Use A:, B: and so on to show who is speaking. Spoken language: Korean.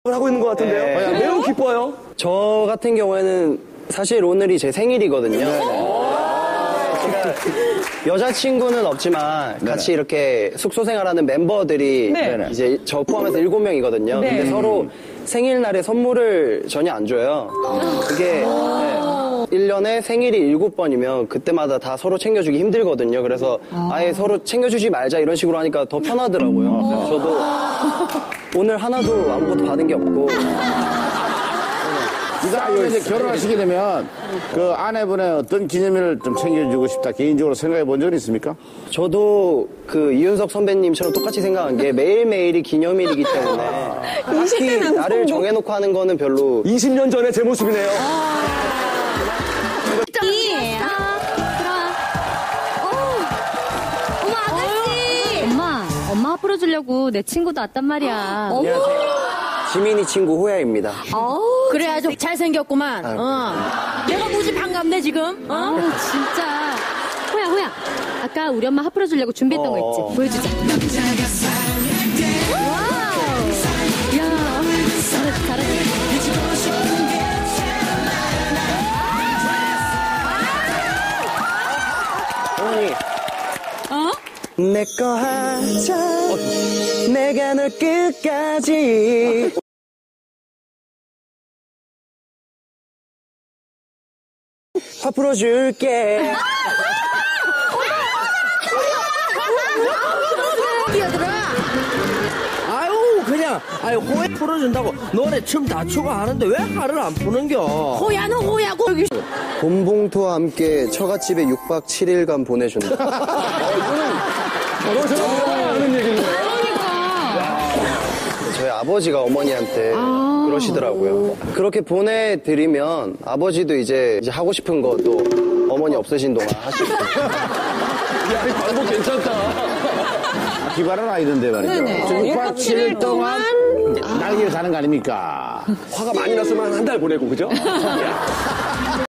A: 하고 있는 것 같은데요.
B: 네.
A: 매우 기뻐요.
B: 저 같은 경우에는 사실 오늘이 제 생일이거든요. 제가 여자친구는 없지만 같이 이렇게 숙소 생활하는 멤버들이 이제 저 포함해서 7명이거든요. 근데 서로 생일날에 선물을 전혀 안 줘요. 그게 1년에 생일이 7번이면 그때마다 다 서로 챙겨주기 힘들거든요. 그래서 아예 서로 챙겨주지 말자 이런 식으로 하니까 더 편하더라고요. 그래서 저도 오늘 하나도 아무것도 받은 게 없고.
C: 이താ 이제 결혼하시게 되면 그 아내분의 어떤 기념일을 좀 챙겨주고 싶다 개인적으로 생각해 본 적은 있습니까?
B: 저도 그 이윤석 선배님처럼 똑같이 생각한 게 매일매일이 기념일이기 때문에 딱히 나를 정해놓고 하는 거는 별로
A: 20년 전의 제 모습이네요.
D: 엄마 풀어주려고 내 친구도 왔단 말이야.
B: 안녕하세요. 지민이 친구 호야입니다.
E: 그래 아주 잘생겼구만. 내가 무지 반갑네 지금.
D: 진짜. 호야. 아까 우리 엄마 하 풀어주려고 준비했던 거 있지? 보여주자. 와우. 야, 잘했네.
B: 어머니. 내 거 하자. 내가 널 끝까지. 화 풀어줄게.
F: 아유 호야 풀어준다고 노래 춤 다 추고 하는데 왜 화를 안 푸는겨?
E: 호야는 호야고 여기.
B: 봄봉투와 함께 처갓집에 6박 7일간 보내준다.
A: 하는 얘기인데.
B: 저희 아버지가 어머니한테 그러시더라고요. 그렇게 보내드리면 아버지도 이제 하고 싶은 것도 어머니 없으신 동안 하시고.
A: 야, 이 광고 괜찮다.
C: 기발한 아이던데 말이죠. 6박 7일 동안 날개를 다는 거 아닙니까?
A: 화가 많이 났으면 한 달 보내고, 그죠?